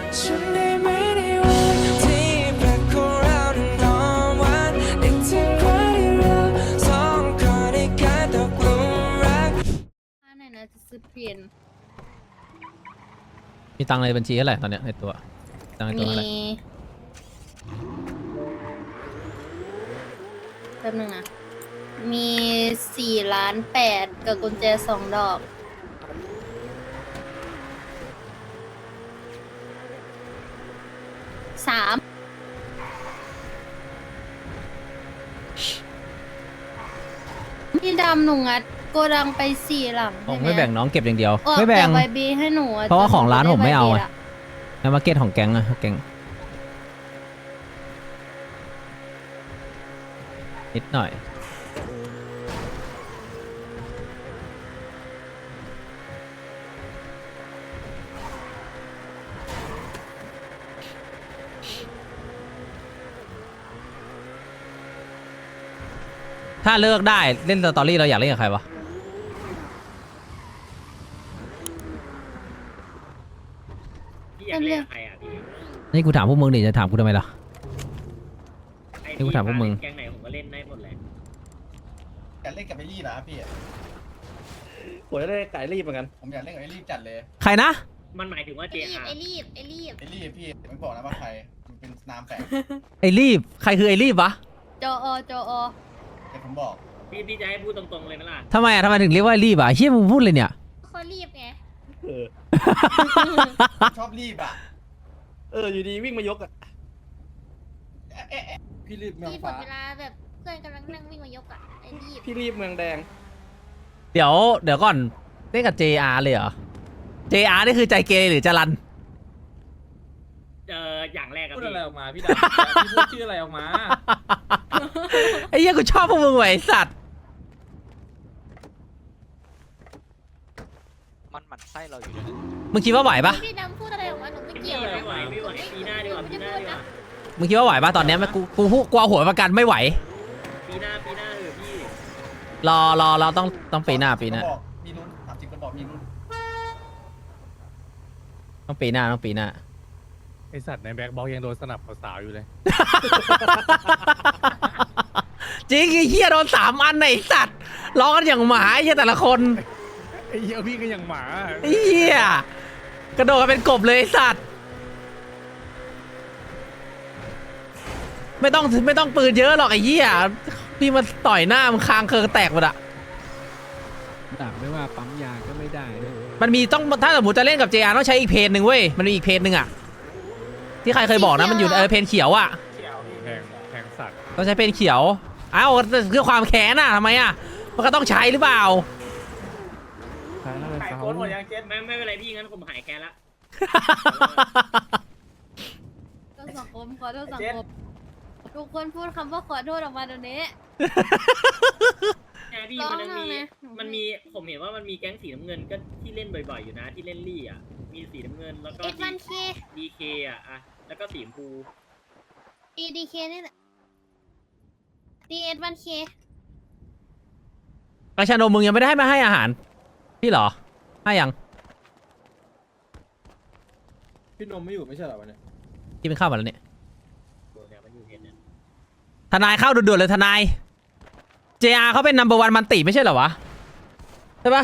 ฉันได้ไหมในวันที่แปลกของเรานั้นหอมหวานนึกถึงวันที่เราสองคนได้กลายตกหลุมรักไหนนะจะซื้อเปลี่ยนมีตังค์ในบัญชีเท่าไหร่ตอนเนี้ยในตัวตังค์ในตัวมีเท่าไหร่แป๊บนึงนะมี4,800,000กับกุญแจ2 ดอก3พี่ดำหนูงัดโกดังไป4 หลังผมใช่หไม่แบ่งน้องเก็บอย่างเดียวออกไม่แบ่งแต่ใบบีให้หนูอเพราะว่าของร้านผมไม่เอาจนหอะด้ใบบีละในมาร์เก็ตของแก๊งอะแก๊งนิดหน่อยถ้าเลิกได้เล่นสตอรี่เราอยากเล่นกับใครวะพี่อยากเล่นกับใครอ่ะพี่นี่กูถามพวกมึงดิจะถามกูทำไมล่ะไอ้นี่กูถามพวกมึงแก๊งไหนผมก็เล่นได้หมดเลยอยากเล่นกับไอรีบนะพี่ผมจะได้ไก่รีบเหมือนกันผมอยากเล่นกับไอรีบจัดเลยใครนะมันหมายถึงว่าไอ้รีบ JR ไอ้รีบไอรีบพี่ไม่บอกนะว่าใครมันเป็นนามแฝงไอรีบใครคือไอรีบวะจออแต่ผมบอกพี่จะให้พูดตรงๆเลยไหมล่ะทำไมอะทำไมถึงเรียกว่าไอรีบอะเฮียมึงพูดเลยเนี่ยเขารีบไงเออชอบรีบอ่ะอยู่ดีวิ่งมายกอ่ะพี่รีบเมืองรีบหมฟ้าดเวลาแบบเพื่อนกำลังนั่งวิ่งมายกอ่ะไอ้รีบพี่รีบเมืองแดงเดี๋ยวก่อนเล่นกับ JR เลยเหรอ JR นี่คือใจเกเรหรือจรันอย่างแรกอะพูดพี่อะไรออกมาพี่ดำพี่พูดชื่ออะไรออกมาไอ้เหี้ยกูชอบพวกมึงว่ะไอ้สัตว์มันหมั่นไส้เราอยู่เลยมึงคิดว่าไหวปะพี่ดำพูดอะไรออกมาหนูไม่เกี่ยวไม่ไหวไม่ไหวปีหน้าดีกว่าปีหน้าดีกว่ามึงคิดว่าไหวปะตอนเนี้ยกูพูดกลัวหัวประกันไม่ไหวปีหน้าเออพี่รอต้องปีหน้าบอกมีลุ้นถามจริงคนบอกมีลุ้นต้องปีหน้าไอสัตว์ในแบ็คบ็อกยังโดนสนับสาวๆอยู่เลยจริงไอ้เหี้ยโดน3 อันน่ะไอ้สัตว์ร้องกันอย่างหมาไอ้เหี้ยแต่ละคนไอ้เหี้ยพี่ก็ยังหมาไอ้เหี้ยกระโดดกันเป็นกบเลยไอ้สัตว์ไม่ต้องปืนเยอะหรอกไอ้เหี้ยพี่มาต่อยหน้ามึงคางเคิงแตกหมดอะดักไม่ว่าปั๊มยาก็ไม่ได้นะมันมีต้องถ้าสมมติจะเล่นกับ JR ต้องใช้อีกเพจหนึ่งเว้ยมันมีอีกเพจหนึ่งอะที่ใครเคยบอกนะมันอยู่เพจเขียวอะแพงสัตว์ต้องใช้เพจเขียวเอ้าเพื่อความแค้นอะทำไมอะมันก็ต้องใช้หรือเปล่าขายอะไรขายเขาโค้ดหมดยังเจ็ดไม่เป็นไรพี่งั้นผมหายแกละต้องสังคมขอโทษสังคมทุกคนพูดคำว่าขอโทษออกมาเดี๋ยวนี้แกพี่ร้องมันมีไงผมเห็นว่ามันมีแก๊งสีน้ำเงินก็ที่เล่นบ่อยๆอยู่นะที่เล่นลี่อ่ะมีสีน้ำเงินแล้วก็เอ็ดวันเค DK อ่ะแล้วก็สีชมพู DK นี่แหละ DS1K กระชานมมึงยังไม่ได้มาให้อาหารพี่เหรอให้ยังพี่นมไม่อยู่ไม่ใช่เหรอวันนี้กินเป็นข้าวมาแล้วเนี่ยตัวเนี่ยมันอยู่เพจเนี่ยทนายเข้าด่วนๆเลยทนาย JR เขาเป็นนัมเบอร์วันมันติไม่ใช่เหรอวะใช่ปะ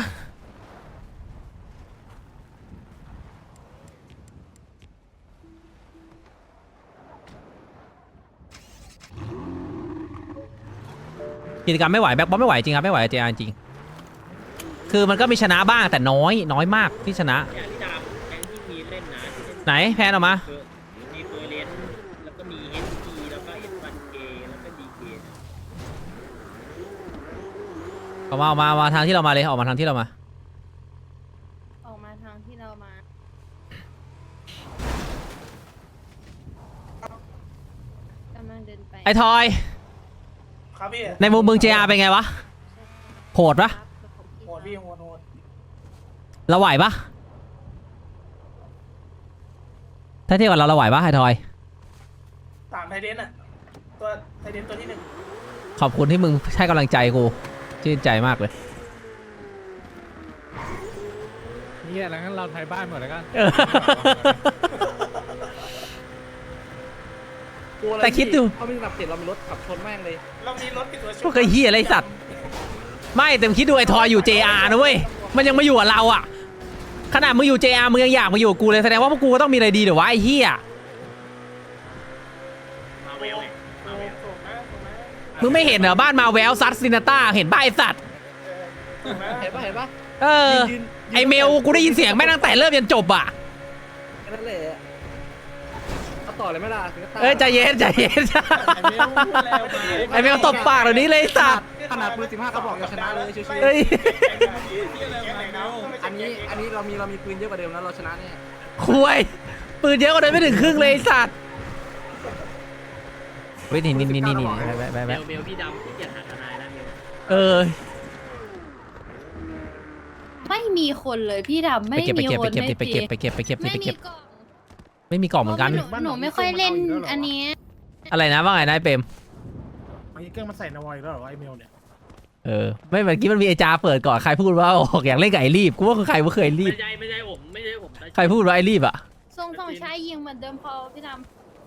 กิจกรรมไม่ไหวแบ็คบอลไม่ไหวจริงครับไม่ไหว JR จริงคือมันก็มีชนะบ้างแต่น้อยมากที่ชนะเนี่ยที่ดาบแก๊งที่มีเล่นนะที่เล่นไหนแพนออกมาคือมีเฟอร์เรนแล้วก็มี HP แล้วก็ S1K แล้วก็ DK ออกมาทางที่เรามาเลยออกมาทางที่เรามาออกมาทางที่เรามากำลังเดินไปไอ้ทอยครับพี่ในมุมมึง JR เป็นไงวะโหดปะโหดพี่โหดเราไหวปะถ้าเทียบกับเราไหวปะไอ้ทอยตามไทเดนอ่ะตัวไทเดนตัวที่1 ขอบคุณที่มึงให้กำลังใจกูชื่นใจมากเลยนี่แหละงั้นเราไทยบ้านหมดแล้วกันลัวอะไรแต่คิดดูเขาไม่สนับเสร็จเรามีรถขับชนแม่งเลยเรามีรถปิดตัวพวกไอ้เหี้ยอะไรสัตว์ไม่แต่มึงคิดดูไอ้ทอยอยู่ JR นะเว้ยมันยังมาอยู่กับเราอ่ะขนาดมึงอยู่ JR มึงยังอยากมาอยู่กับกูเลยแสดงว่าพวกกูก็ต้องมีอะไรดีเดี๋ยววะไอ้เหี้ยมาเวลไงมาเวลถูกนะถูกนะมึงไม่เห็นเหรอบ้านมาแววซัดซินาต้าเห็นบ้าไอ้สัตว์ถูกนะเห็นปะเห็นปะเออยืนไอเมลกูได้ยินเสียงแม่งตั้งแต่เริ่มยันจบอ่ะแค่นั่นแหละเอาต่อเลยไหมล่ะถึงก็ตายเอ้ยใจเย็นใจเย็นไอเมลพูดแล้วไปไอเมลตบปากเดี๋ยวนี้เลยไอ้สัตว์ขนาดปืน15กระบอกยังชนะเลยชิวเฮ้ยๆอันนี้เรามีปืนเยอะกว่าเดิมแล้วเราชนะแน่คุยปืนเยอะกว่าเดิมไม่ถึงครึ่งเลยไอ้สัตว์เฮ้ยนี่ไปเมลพี่ดำที่เกียรหาทนายนะเมลเออไม่มีคนเลยพี่ดำไปไม่เก็บมีคนไปเก็บไปเก็บไม่มีกล่องไม่มีกล่องเหมือนกันหนูไม่ค่อยเล่นอันนี้อะไรนะว่าไงนายเปรมไอ้เครื่องมันใส่นวอยแล้วเหรอไอ้เมลเนี่ยเออไม่เมื่อกี้มันมีไอจาเปิดก่อนใครพูดว่าออกอยากเล่นไก่รีบกูว่าใครว่าเคยรีบไม่ใช่ผมไม่ใช่ผมใครพูดว่าไอรีบอ่ะทรงใช้ยิงเหมือนเดิมพอพี่ด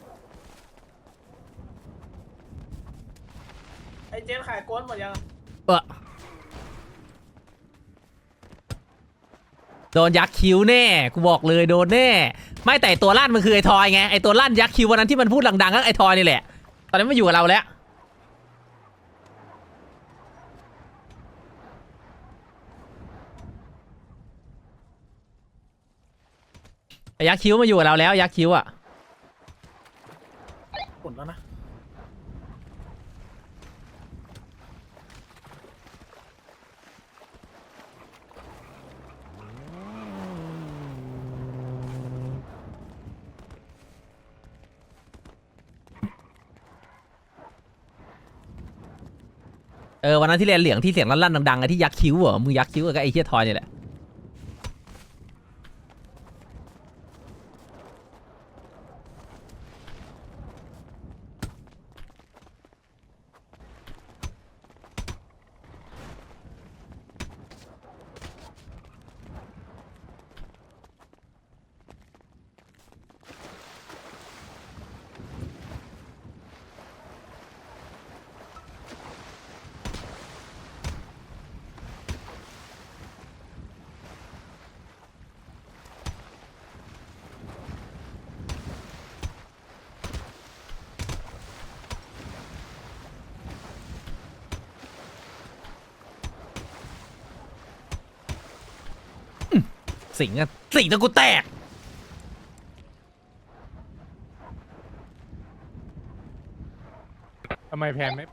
ไอ้เจนขายโกนหมดยังโดนยักษ์คิ้วแน่กูบอกเลยโดนแน่ไม่แต่ตัวลั่นมันคือไอทอยไงไอตัวลั่นยักษ์คิ้ววันนั้นที่มันพูดดังๆก็ไอทอยนี่แหละตอนนี้มันอยู่กับเราแล้วไอยักษ์คิ้วมาอยู่กับเราแล้วยักษ์คิ้วอ่ะหมดแล้วนะเออวันนั้นที่เรียนเหลียงที่เสียงลั่นๆดังๆอะที่ยักษ์คิ้วเหรอมึงยักษ์คิ้วกับไอ้เหี้ยทอยนี่แหละสิงตะกูแตกทำไมแพนไม่ำ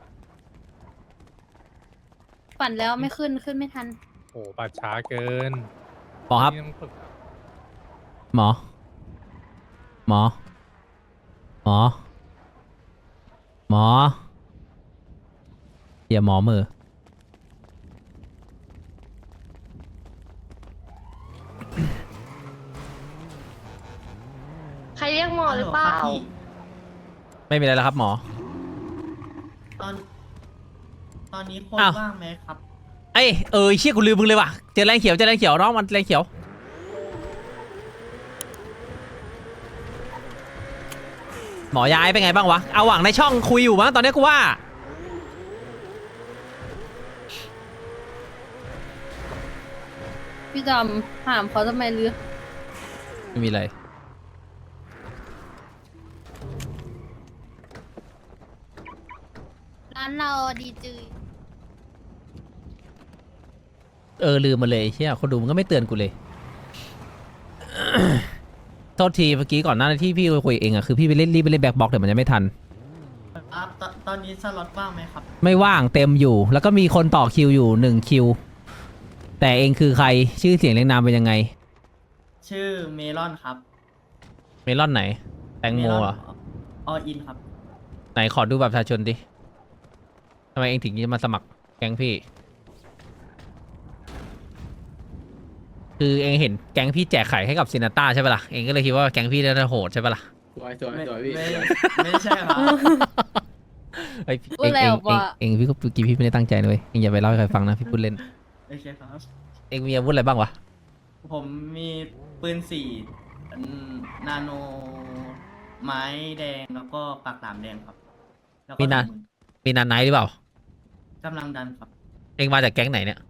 ปั่นแล้วไม่ขึ้นไม่ทันโอ้บัตรช้าเกินหมอครับนี่ต้องฝึกหมอหมอหมอหมออย่าหมอมือใครเรียกหมอหรือเปล่าไม่มีอะไรแล้วครับหมอตอนนี้คนอ้าวว่างไหมครับเอ้ยเชี่ยกูลืมมึงเลยว่ะเจอแรงเขียวน้องมันแรงเขียวหมอย้ายเป็นไงบ้างวะเอาหวังในช่องคุยอยู่มั้งตอนนี้กูว่าพี่ดำถามเขาทำไมหรือไม่มีอะไรร้านเราดีจืยลืมมาเลยเชี่ยคนดูมันก็ไม่เตือนกูเลย โทษทีเมื่อกี้ก่อนหน้าที่พี่คุยเองอะคือพี่รีบไปเล่นแบ็คบ็อกแต่มันยังไม่ทันตอนนี้สล็อตว่างไหมครับไม่ว่างเต็มอยู่ แล้วก็มีคนต่อคิวอยู่1คิวแต่เองคือใครชื่อเสียงเรียงนามเป็นยังไงชื่อเมลอนครับเมลอนไหน แตงโมเหรอออินครับไหนขอดูแบบประชาชนดิทำไมเองถึงจะมาสมัครแก๊งพี่ คือเองเห็นแก๊งพี่แจกไข่ให้กับซินาต้าใช่ปะล่ะเองก็เลยคิดว่าแก๊งพี่น่าจะโหดใช่ปะล่ะไม่ใช่ครับเฮ้ยพูดแล้วว่าเองพี่ก็เมื่อกี้พี่ไม่ได้ตั้งใจนะเลยเองอย่าไปเล่าให้ใครฟังนะพี่พูดเล่นโอเคครับเองมีอาวุธอะไรบ้างวะผมมีปืน4นาโนไม้แดงแล้วก็ปากหลามแดงครับแล้วก็มีนามีนานไนท์หรือเปล่ากำลังดันครับเองมาจากแก๊งไหนเนี่ย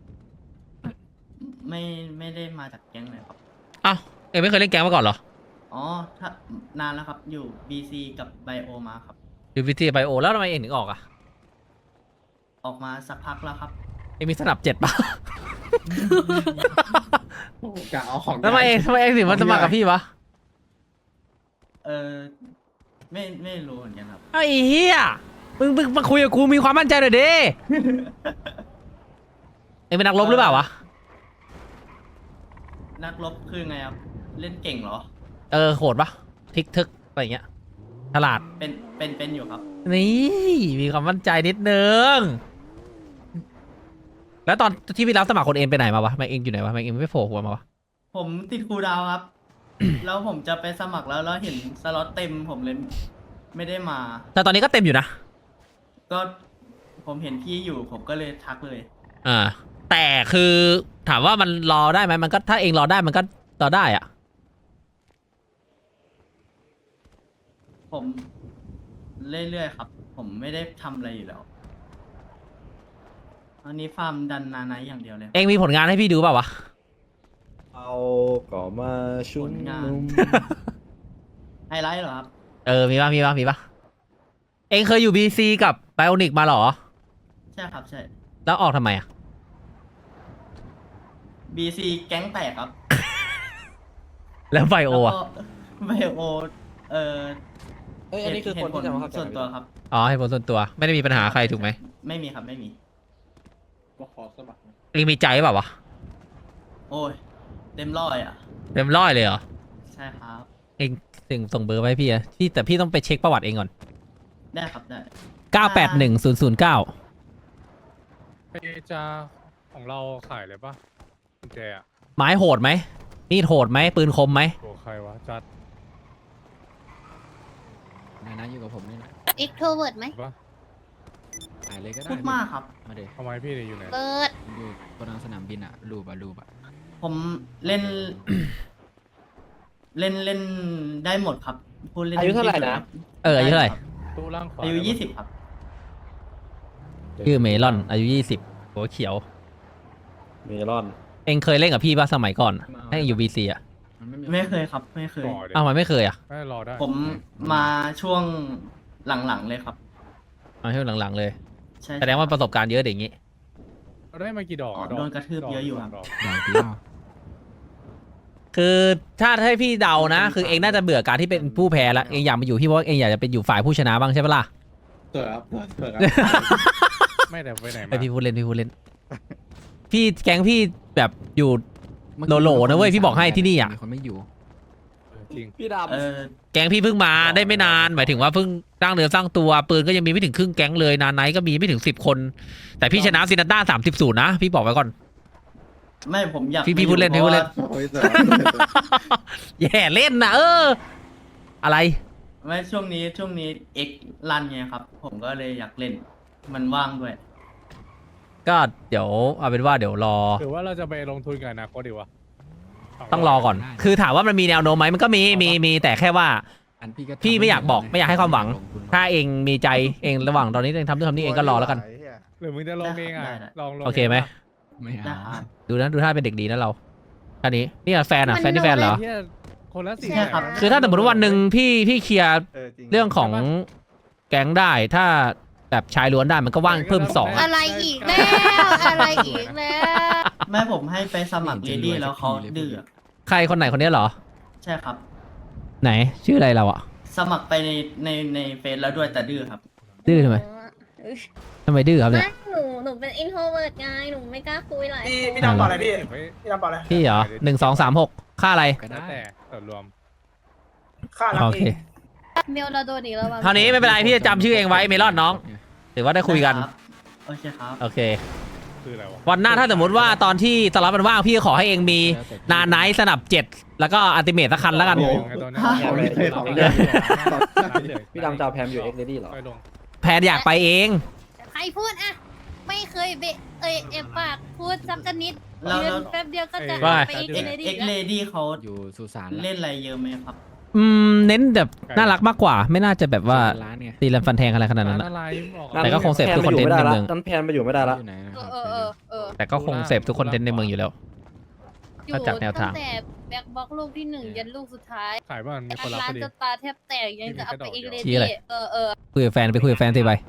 ไม่ได้มาจากแก๊งเลยครับอ้าวเองไม่เคยเล่นแก๊งมาก่อนเหรออ๋อถ้านานแล้วครับอยู่ BC กับไบโอมาครับอยู่วิทีไบโอแล้วทำไมเองถึงออกอ่ะออกมาสักพักแล้วครับเองมีสนับ7ป่ะกะเอาของทำไมเองถึงมาสมัครกับพี่วะเออไม่รู้เหมือนกันครับไอ้เหี้ยมึงมาคุยกับกูมีความมั่นใจหน่อยดิ เองเป็นนักรบหรือเปล่าวะนักรบคือไงครับ เล่นเก่งเหรอโหดปะทิกทึกอะไรอย่างเงี้ยฉลาดเป็นอยู่ครับนี่มีความมั่นใจนิดนึง แล้วตอนที่พี่รับสมัครคนเอ็นไปไหนมาวะแม็กเองอยู่ไหนวะแม็กเองไม่โผล่หัวมาวะผมติดครูดาวครับ แล้วผมจะไปสมัครแล้วเห็นสล็อตเต็มผมเลยไม่ได้มาแต่ตอนนี้ก็เต็มอยู่นะก็ผมเห็นพี่อยู่ผมก็เลยทักเลยแต่คือถามว่ามันรอได้ไหมมันก็ถ้าเองรอได้มันก็รอได้อะผมเรื่อยๆครับ ผมไม่ได้ทำอะไรอยู่แล้วอันนี้ฟาร์มดันนาไนท์อย่างเดียวเลยเองมีผลงานให้พี่ดูเปล่าวะเอาก่อมาชุมผลงานนุมไฮไลท์เหรอครับมีปะเองเคยอยู่บีซีกับไบโอนิกมาเหรอใช่ครับใช่แล้วออกทำไมอะ BC แก๊งแตกครับแล้วไบโอแล้วอะก็ไบโอเออเอ้ยอันนี้คือคนที่จะมาเข้าใจส่วนตัวครับอ๋อให้ผลส่วนตัวไม่ได้มีปัญหาใครถูกไหมไม่มีครับไม่มีว่าขอสมัครเองมีใจเปล่าวะโอ้ยเต็มร้อยอ่ะเต็มร้อยเลยเหรอใช่ครับเองส่งเบอร์ไว้ให้พี่อะแต่พี่ต้องไปเช็คประวัติเองก่อนได้ครับได้ 981009 ไอ้จะของเราขายเลยปะกุญแจอะไม้โหดไหมมีดโหดไหมปืนคมไหมตัวใครวะจัดนะอยู่กับผมนี่นะเอ็กโทรเวิร์ดไหมปะถ่ายเลยก็ได้พูดมากครับมาเดี๋ยวทำไมพี่เนี่ยอยู่ไหนเปิดอยู่บนสนามบินอะรูปอะผมเล่น เล่นได้หมดครับพูดเล่นอายุเท่าไหร่นะอายุเท่าไหร่ตู้ล่างขวาอายุ20ครับชื่อเมลอนอายุ20หัวเขียวเมลอนเองเคยเล่นกับพี่ป่ะสมัยก่อนให้เองอยู่บีซีอะมันไม่มีไม่เคยครับ ไม่เคยก่อเดี๋ยอ้าววมันไม่เคยอะไม่รอได้ผมมาช่วงหลังๆเลยครับมาช่วงหลังๆเลยใช่แสดงว่าประสบการณ์เยอะเด็กอย่างงี้เราได้มากี่ดอกอ๋อดอกโดนกระทืบเยอะอยู่ครับดกอย่างเดียวคือถ้าให้พี่เดานะ คือเองน่าจะเบื่อการที่เป็นผู้แพ้ละเองอยากมาอยู่พี่เพราะเองอยากจะเป็นอยู่ฝ่ายผู้ชนะบ้างใช่ปะล่ะเกิดครับเกิดครับไม่แต่ไปไหนไอมาพี่พูดเล่นพี่แก๊งพี่แบบอยู่ โหลๆนะเว้ยพี่บอกให้ที่นี่อะมีคนไม่อยู่จริงพี่ดำเออแก๊งพี่เพิ่งมาได้ไม่นานหมายถึงว่าเพิ่งสร้างเนื้อสร้างตัวปืนก็ยังมีไม่ถึงครึ่งแก๊งเลยนานไนท์ก็มีไม่ถึง10 คน แต่พี่ชนะซินาต้า30-0นะพี่บอกไว้ก่อนไม่ผมอยากพี่พูดเล่นพี่พูดเล่นโอ้ยแต่แย่เล่นนะอะไรไม่ช่วงนี้เอ็กรันไงครับ ผมก็เลยอยากเล่น มันว่างด้วยก็เดี๋ยวเอาเป็นว่าเดี๋ยวรอหรือว่าเราจะไปลงทุนกับอนาคตดีวะต้องรอก่อน คือถามว่ามันมีแนวโน้มไหมมันก็มีแต่แค่ว่าอันพี่ก็พี่ไม่อยากบอกไม่อยากให้ความหวังลทุนถ้าเองมีใจเองระหว่างตอนนี้เองทำนู่นทำนี่เองก็รอแล้วกันหรือมึงจะลงเองอ่ะได้ได้ลองลงโอเคไหมไม่ได้เอาครับดูท่าเป็นเด็กดีนะเราอันนี้นี่แฟนแฟนที่แฟนเหรอเหี้ยคนละสี่ใช่ครับคือถ้าสมมติว่าวันหนึ่งพี่เคลียร์เรื่องของแก๊งได้ถ้าแบบชายล้วนได้มันก็ว่างเพิ่ม2 อะไรอีกแล้วอะไรอีกแล้วแม่ผมให้ไปสมัครเลดี้แล้วเขาดื้อใครคนไหนคนนี้เหรอใช่ครับไหนชื่ออะไรเราอะสมัครไปในเฟซแล้วด้วยแต่ดื้อครับดื้อทำไมดื้อครับเนี่ยไม่หนูเป็นอินโทรเวิร์ดไงหนูไม่กล้าคุยหลายพี่ดำเปล่าอะไรพี่เก็บไว้พี่ดำเปล่าอะไรพี่เหรอ1236ค่าอะไรก็แล้วได้แต่ส่วนรวมค่ารับโอเอเคงเมลเราโดนอีกแล้วว่ะเท่านี้ไม่เป็นไรพี่จะจำชื่อเองไว้เมลอนน้องถือว่าได้คุยกันครับโอเคครับโอเคคืออะไรวะวันหน้าถ้าสมมติว่าตอนที่สล็อตมันว่างพี่ขอให้เองมีนาไนท์สนับ7แล้วก็อัลติเมทสักคันแล้วกันลงไงตอนนี้พี่ดำจะเอาแพมอยู่เอ็กซ์เรดี้เหรอไปลงแพนอยากไปเองใครพูดอะไม่เคยเอ็มปากพูดสักนิดแล้วเดือนแป๊บเดียวก็จะว่าไปอีกเลยดิเอ็กเลดี้เขาอยู่สุสานเล่นอะไรเยอะไหมครับเน้นแบบน่ารักมากกว่า ไม่น่าจะแบบว่าร้านไงตีรันฟันแทงอะไรขนาดร้านั้นนอะอะไรบอกแต่ก็คงเสพทุกคอนเทนต์ในเมืองนั้นแพนไปอยู่ไม่ได้ละอยู่ไหนนะเออแต่ก็คงเสพทุกคอนเทนต์ในเมืองอยู่แล้วอยู่ถ้าจากแนวทางตั้งแต่แบ็คบ็อกลูกที่ 1 ยันลูกสุดท้ายขายบ้านมีคนรับร้าพนอดีจะตาแทบแตกยังจะเอาไปเองเลยชี้อะไรเออคุยกับแฟนไปคุยกับแฟนสิไป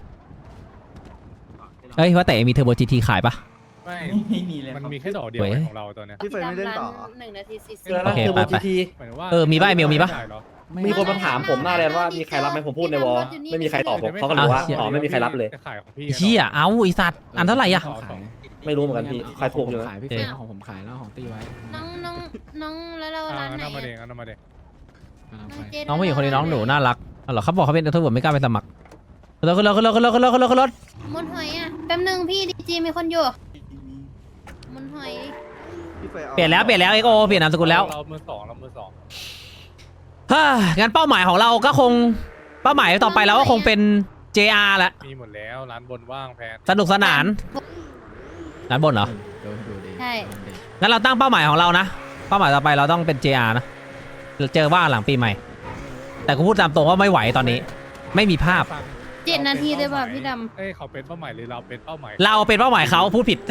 เอ้ยว่าแต่มีเทอร์โบจีทีขายปะไม่ไม่มีเลยมันครับมีแค่ดอกเดียวเว้ยของเราตัวเนี้ยพี่เฟยไม่เล่นต่อ 1 นาทีแล้วโอเคคือไปโบไปจีทีหมายถึงว่ามีป่ะไอ้เมลมีป่ะด้เหรอมีคนมาถามผมหน้าแลนว่ามีใครรับไหมผมพูดในวอลไม่มีใครตอบผมเขาก็เลยบอกว่าอ๋อไม่มีใครรับเลยจะขายของพี่เชี่ยเอาไอสัตว์อันเท่าไหร่อะเขาขายไม่รู้เหมือนกันพี่ใครถูกอยู่นะขายพี่เฟยของผมขายแล้วของตีไว้น้องแล้วเราร้านไหนน้ำมาเด็อะงน้ำมาเด็งกำลังน้ไปองเจน้องผู้หญิงคนนี้น้องหนูน่ารักอ๋อเหรอเขาบอกเขาเป็นเทอร์โบไม่กล้าไปสมัครขึ้นรถขึ้นรถขึ้นรถขึ้นรถขึ้นรถขึ้นรถขึ้นรถมุนหอยอ่ะแป๊บนึงพี่ดีจีมีคนอยู่มุนหอยพี่เฟยอาเปลี่ยนแล้วเอ็กโอเปลี่ยนนามสกุลแล้วเรามือสองฮ่างั้นเป้าหมายของเราก็คงเป้าหมายต่อไปเราก็คงเป็น JR แหละมีหมดแล้วร้านบนว่างแพนสนุกสนานร้านบนเหรอดูดีใช่งั้นเราตั้งเป้าหมายของเรานะเป้าหมายต่อไปเราต้องเป็น JR นะเจอว่าหลังปีใหม่ แต่กูพูดตามตรงว่าไม่ไหวตอนนี้ ไม่มีภาพ 7 นาทีเลยป่ะพี่ดเอ้ยเขาเป็นเป้าหมายหรือเราเป็นเป้าหมายเราเป็นเป้าหมายเขาพูดผิด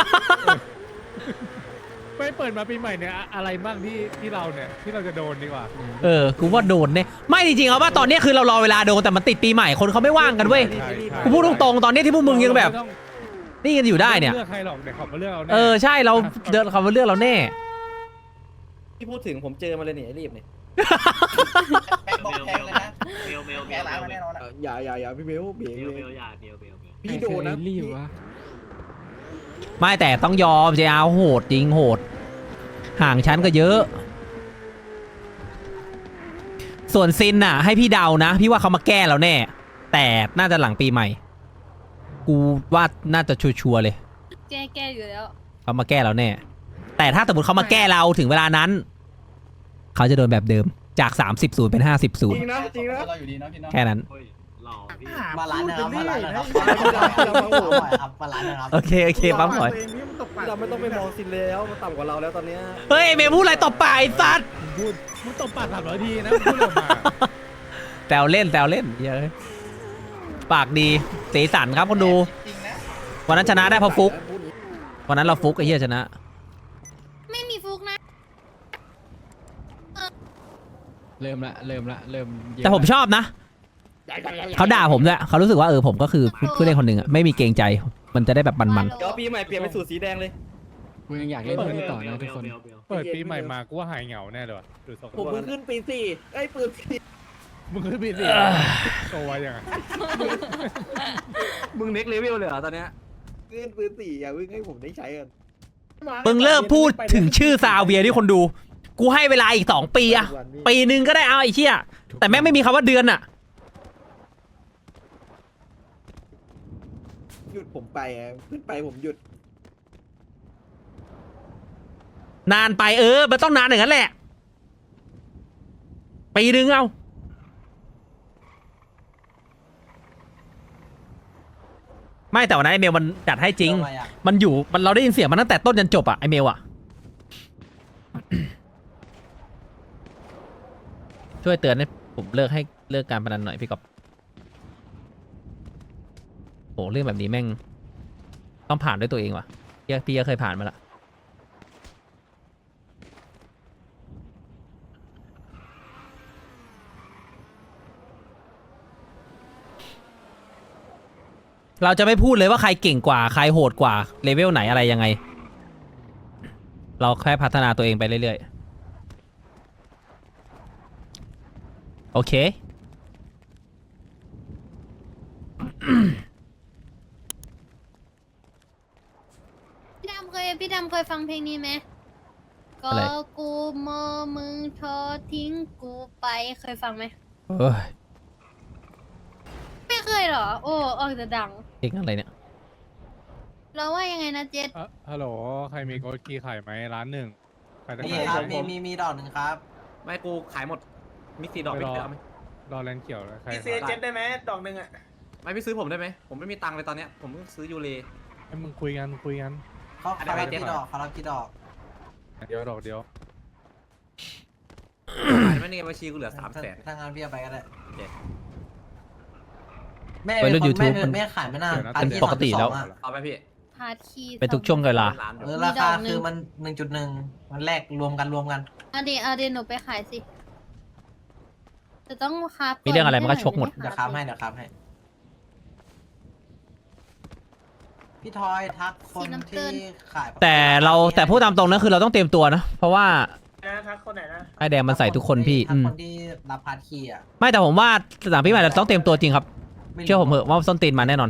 ไม่เปิดมาปีใหม่เนี่ยอะไรบ้างที่เราเนี่ยที่เราจะโดนดีกว่ากูว่าโดนเนี่ยไม่จริงๆเอาว่าตอนนี้คือเรารอเวลาโดนแต่มันติดปีใหม่คนเขาไม่ว่างกันเว้ยใช่กูพูดตรงๆตอนนี้ที่พวกมึงยังแบบไม่ต้องนี่กันอยู่ได้เนี่ยม่เลือกใครหรอกเดี๋ยวเขามาเลือกเอาแน่ใช่เราเดินเขามาเลือกเราแน่พี่พูดถึงผมเจอมาเลยนี่ไอ้รีบเนี่ยแบงค์บอกแพงเลยนะเบลแกร้านมาแน่นอนอะอย่าพี่เบลเบลอย่าเบลพี่โดนนะรีบวะไม่แต่ต้องยอม JR โหดจริงโหด ห่างชั้นก็เยอะ ส่วนซินน่ะ ให้พี่เดานะ พี่ว่าเขามาแก้เราแน่ แต่น่าจะหลังปีใหม่ กูว่าน่าจะชัวร์ๆเลยำแก้อยู่แล้วเขามาแก้เราแน่ แต่ถ้าสมมติเขามาแก้เราถึงเวลานั้น เขาจะโดนแบบเดิมจาก 30-0 เป็นจริง 50-0 นะจริงนะเราอยู่ดีนะพี่เนาะแค่นั้นหล่อพี่มาร้านนะครับมาร้านนะครับ มาร้านนะครับโอเคปั๊มหน่อยเราไม่ต้องไปมองซินแล้วมันต่ำกว่าเราแล้วตอนเนี้ยเฮ้ยเมย์พูดอะไรต่อไปไอ้สัตว์มึงตบปาก300 ทีนะพูดออกมาแซวเล่นเยอะปากดีสีสันครับคนดูจริงนะวันนั้นชนะได้เพราะฟุก วันนั้นเราฟุกไอ้เหี้ยชนะไม่มีฟุกนะเริ่มละเยอะแต่ผมชอบนะ เขาด่าผมด้วยเขารู้สึกว่าผมก็คือผู้เล่นคนหนึ่งอะไม่มีเกรงใจ มันจะได้แบบมันเดี๋ยวปีใหม่เปลี่ยนเป็นสูตรสีแดงเลยกูยังอยากเล่นเรื่องนี้ต่อนะทุกคนเปิดปีใหม่มากูว่าหายเหงาแน่เลยว่ะดูทรงผมเพิ่งขึ้นปีสี่ไอ้ปืนสี่มึงคือปีสี่โตไวยังไงมึงเน็กเลเวลเลยเหรอตอนเนี้ยขึ้นปืนสี่อย่าเพิ่งให้ผมได้ใช้กันๆมึงเลิกพูดถึงชื่อซาเวียที่คนดู กูให้เวลาอีก2 ปีอะปีนึงก็ได้เอาไอ้เชี่ยแต่แม่งไม่มีคำว่าเดือนอะหยุดผมไปอ่ะขึ้นไปผมหยุดนานไปมันต้องนานอย่างนั้นแหละ ปีนึงเอาไม่แต่วันนั้นไอเมลมันจัดให้จริง มันอยู่เราได้ยินเสียงมันตั้งแต่ต้นจนจบอะไอเมลอะ ช่วยเตือนให้ผมเลิกการพนันหน่อยพี่กอบโหเรื่องแบบนี้แม่งต้องผ่านด้วยตัวเองว่ะพี่ก็เคยผ่านมาละเราจะไม่พูดเลยว่าใครเก่งกว่าใครโหดกว่าเลเวลไหนอะไรยังไง เราแค่พัฒนาตัวเองไปเรื่อยๆโอเคพี่ดำเคยฟังเพลงนี้ไหมก็อะไรกูมอมึงทอทิ้งกูไปเคยฟังไหมเอ้ยไม่เคยเหรอ โอ้ออกจะดังเก่งอะไรเนี่ยเราว่ายังไงนะเจษฮัลโหลใครมีโกดคีย์ขายไหมร้านหนึ่งใครจะมีขายครับมีดอกหนึ่งครับไม่กูขายหมดมี4ดอกไม่พี่รอเอาไหมรอแลนเขียวเลยใครพี่ซื้อเจ็ตได้ไหมดอกหนึ่งอ่ะไม่พี่ซื้อผมได้ไหมผมไม่มีตังค์เลยตอนเนี้ยผมเพิ่งซื้อยูเรให้มึงคุยกันเขารับกี่ดอกเขารับกี่ดอกเดี๋ยวดอกเดียวขายไหมในบัญชีกูเหลือ300,000 ถ้างานพี่เอาไปก็ได้โอเคแม่วัยรุ่น YouTube แม่ขายไม่นานเป็นปกติแล้วเอาไหมพี่พาร์ทคีย์เป็นทุกช่วงเวลาล้านเดี๋ยวราคาคือมัน 1.1 มันแลกรวมกันเอาเดี๋ยวหนูไปขายสิจะต้องคาบมีเรื่องอะไรมันก็ชกหมดเดี๋ยวค้ำให้พี่ทอยทักคนที่ขายแต่พูดตามตรงนะคือเราต้องเตรียมตัวนะ เพราะว่านะครับคนไหนนะไอแดงมันใส่ทุกคนพี่ทักคนที่รับพาร์ทคีย์อ่ะไม่แต่ผมว่าสนามพี่ใหม่เราต้องเตรียมตัวจริงครับ เชื่อผมเถอะว่าส้นตีนมาแน่นอน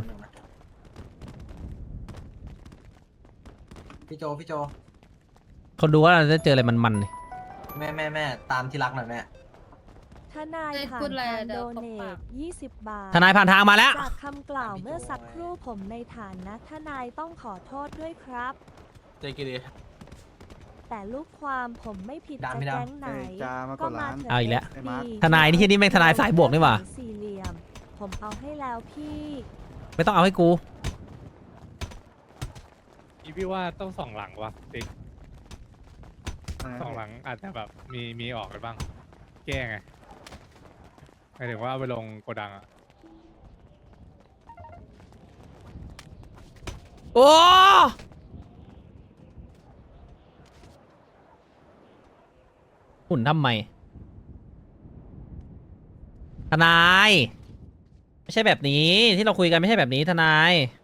พี่โจคนดูว่าเราจะเจออะไรมันๆเลยแม่ตามที่รักหน่อยแม่ทนายผ่านทางโดเนท20 บาททนายผ่านทางมาแล้วจากคำกล่าวเมื่อสักครู่ผมในฐานะทนายต้องขอโทษด้วยครับใจกิเลสแต่ลูกความผมไม่ผิดดัจะนไม่ดันแก๊งไหน ก็มาเถเอาอีกแล้วเถะทนายนี่ที่นี่แม่งทนายสายบวกนี่หว่าสี่เหลี่ยม ผมเอาให้แล้วพี่ไม่ต้องเอาให้กูพี่ว่าต้อง2 หลังวะติ๊ก2 หลังอาจจะแบบมีออกไปบ้าง แก้ไงหมายถึงว่าเอาไปลงโกดังอะโอ้หุ่นทำไม ทนาย ไม่ใช่แบบนี้ที่เราคุยกันไม่ใช่แบบนี้ทนาย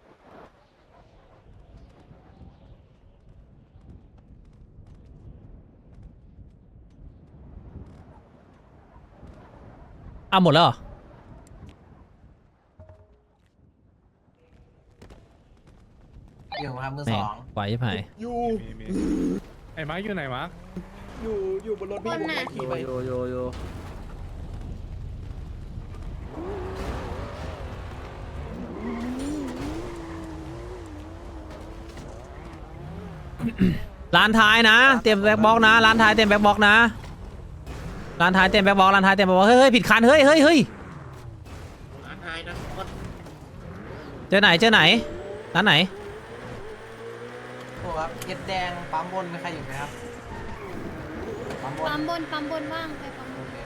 เอาหมดแล้วเหรออยู่ครับมือแหสม่องไหวไหมมีไอ้มาร์คอยู่ไหนมาร์คอยู่บนรถพี่ผมไปขี่ไปโยร้านท้ายนะ เตรียมแบ็คบ็อกนะ ร้านท้ายเตรียมแบ็คบ็อกนะ ร้านท้ายเตรียมแบ็คบ็อกร้านท้ายเตรียมแบ็คบ็อกเฮ้ยผิดคันเฮ้ยเจอไหนร้านไหนโอ้ครับเอ็ดแดงปั๊มบนมีใครอยู่ไหมครับปั๊มบนปั๊มบนว่างไปปั๊มบน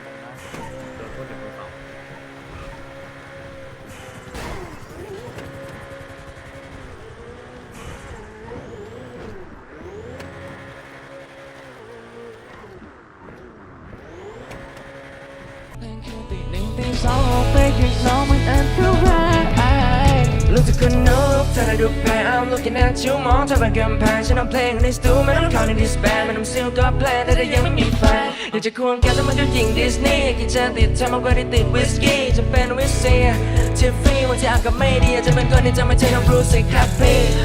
รู้สึกคนนกเธอได้ดูแพ้ I'm looking at you มองเธอเป็นกำแพงฉันเอาเพลงในสตูไม่ต้องเข้าในดิสแบนไม่ต้องซิลก็แพลนแต่ถ้ายังไม่มีแฟนอยากจะควงแกแต่มันก็ยิงดิสนีย์กินจะติดเธอมากกว่าที่ติดวิสกี้จะเป็นวิสเซียทิฟฟี่วันที่อากาศไม่ดีอาจจะเป็นคนที่จะไม่ใช่น้องรู้สึกแฮปปี้